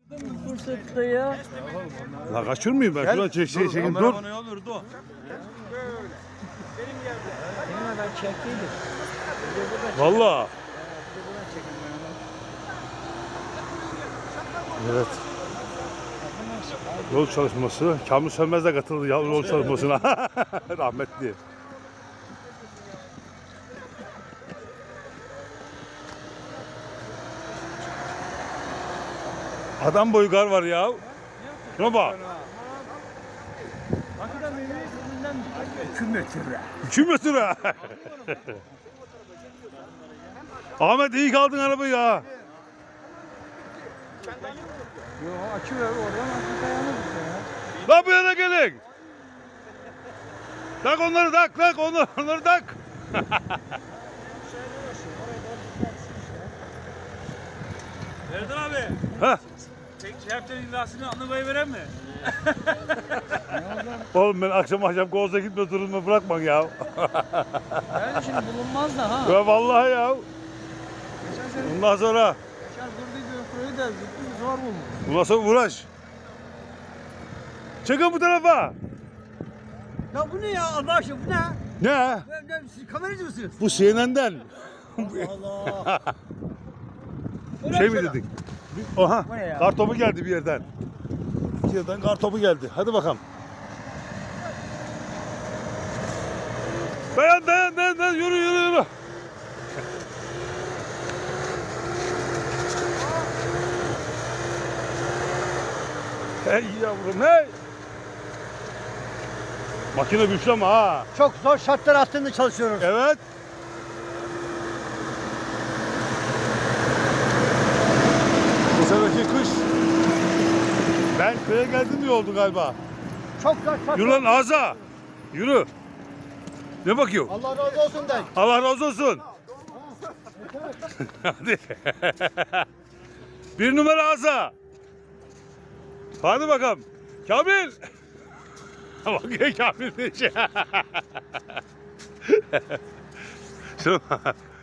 Fırsatta ya. La kaçırmayayım ben. Şuradan çekeyim dur. Ben çektiydim. Valla. Evet. Yol çalışması. Kamil Sönmez de katıldı ya yol çalışmasına. Rahmetli. Adam boyu gar var ya. Şuna bak. 2 metre. 2 metre. Ahmet iyi kaldın arabayı ya. Yo açı ver oradan açı dayanır ya. Lan bu yana gelin. Tak onları tak onları tak. Erdal abi. Heh. Şerpten imzasını anlamaya veren mi? Oğlum ben akşam Koz'a gitme durumu bırakma ya. Yani şimdi bulunmaz da ha. Ya vallahi ya. Bundan sonra Geçen durduydu öfreyi de zıttı zor bulmuş. bundan sonra uğraş. Çıkın bu tarafa. Ya bu ne ya Allah aşkına bu ne? Ne? Siz kameracı mısınız? Bu CNN'den. Allah. Şey mi dedik? Oha. Bu ne ya? Kartopu geldi bir yerden. Bir yerden kartopu geldi. Hadi bakalım. Dayan yürü. Hey yavrum hey. Makine güçlü ama ha. Çok zor şartlar altında çalışıyoruz. Evet. Bu seneki kış. Ben köye geldim diye oldu galiba. Çok zor şartlar. Yürü lan Aza. Yürü. Ne bakıyor? Allah razı olsun de. Allah razı olsun. Hadi. 1 numara Aza. Hadi bakalım. Kamil. Bakıyor Kamil. Şuna bak.